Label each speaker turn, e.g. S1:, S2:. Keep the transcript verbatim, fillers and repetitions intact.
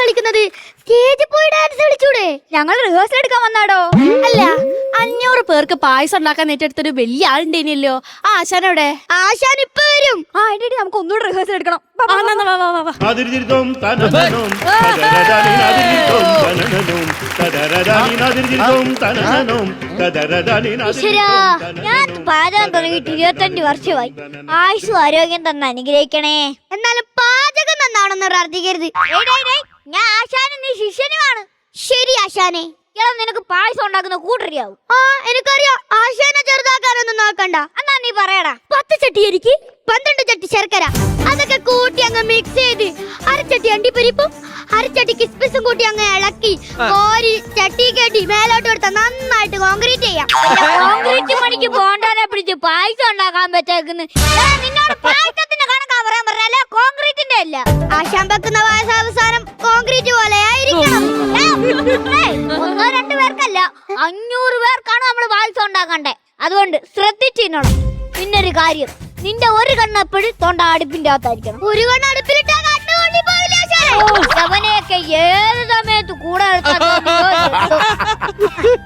S1: കളിക്കുന്നത്? സ്റ്റേജിൽ പോയി ഡാൻസ് കളിച്ചൂടെ?
S2: ഞങ്ങൾ റിഹേഴ്സൽ എടുക്കാൻ വന്നാടോ.
S3: അല്ല, അഞ്ഞൂറ് പേർക്ക് പായസം ഉണ്ടാക്കാൻ ഏറ്റെടുത്തൊരു വലിയ ആളുണ്ടേനല്ലോ. ആ ആശാൻ എവിടെ?
S1: ആശാൻ ഇപ്പൊ വരും.
S2: ആ എടി നമുക്ക് ഒന്നുകൂടെ റിഹേഴ്സൽ എടുക്കണം. വാ,
S3: ആ,
S2: വാ,
S3: എന്നാ, വാ, വാ, വാ, വാ.
S4: അതിർജിർദോം തനനനോം കദരദാനി അതിർജിർദോം തനനനോം കദരദാനി അതിർജിർദോം തനനനോം കദരദാനി
S1: ഈശ്വരാ, ഞാൻ പാചകം തുടങ്ങിയിട്ട് ഇരുപത്തഞ്ച് വർഷമായി. ആയുസ്സും ആരോഗ്യം തന്നെ അനുഗ്രഹിക്കണേ. എന്നാലും പാചകം നന്നാണെന്ന് പ്രാർത്ഥിക്കരുത്. ഞാൻ ആശാനും നീ ശിഷ്യനുമാണ്. ശരി ആശാനെ. ഇയാൾ നിനക്ക് പായസം ഉണ്ടാക്കുന്ന കൂട്ടറിയാവും. ആ എനിക്കറിയാം. ആശാനെ ചെറുതാക്കാനൊന്നും നോക്കണ്ട. എന്നാ നീ പറയടാ. പത്ത് ചട്ടി അരിക്ക് പന്ത്രണ്ട് ചട്ടി ശർക്കര അതൊക്കെ കൂട്ടി അങ്ങ് മിക്സ് ചെയ്ത് അരച്ചട്ടി അണ്ടിപ്പരിപ്പും അരച്ചട്ടി കിസ്മിസും കൂട്ടി അങ്ങ് ഇളക്കി കോരി ചട്ടി കെട്ടി മേലോട്ട് കൊടുത്ത നന്നായിട്ട് കോൺക്രീറ്റ് ചെയ്യാം. കോൺക്രീറ്റ് പണിക്ക് പോണ്ടാനെ പിടിച്ച് പായസം ഉണ്ടാക്കാൻ പറ്റേക്കുന്നു. നിന്നോട് പായസത്തിന്റെ കണക്കാ പറയാൻ പറഞ്ഞാലേ കോൺക്രീറ്റിന്റെ അല്ല. ആശാൻ വെക്കുന്ന പായസം അവസാനം കോൺക്രീറ്റ് പോലെ ആയിരിക്കണം. ഒന്നോ രണ്ടു പേർക്കല്ല, അഞ്ഞൂറ് പേർക്കാണ് നമ്മൾ പായസം ഉണ്ടാക്കണ്ടേ. അതുകൊണ്ട് ശ്രദ്ധിച്ചിരുന്നോളൂ. പിന്നൊരു കാര്യം, നിന്റെ ഒരു കണ്ണെപ്പോഴും തൊണ്ട അടുപ്പിന്റെ അകത്തായിരിക്കണം. ഒരു കണ്ണ് അടുപ്പിലിട്ടാ കണ്ണുകൊണ്ടി പോവില്ല. അവനെയൊക്കെ ഏത് സമയത്ത് കൂടെ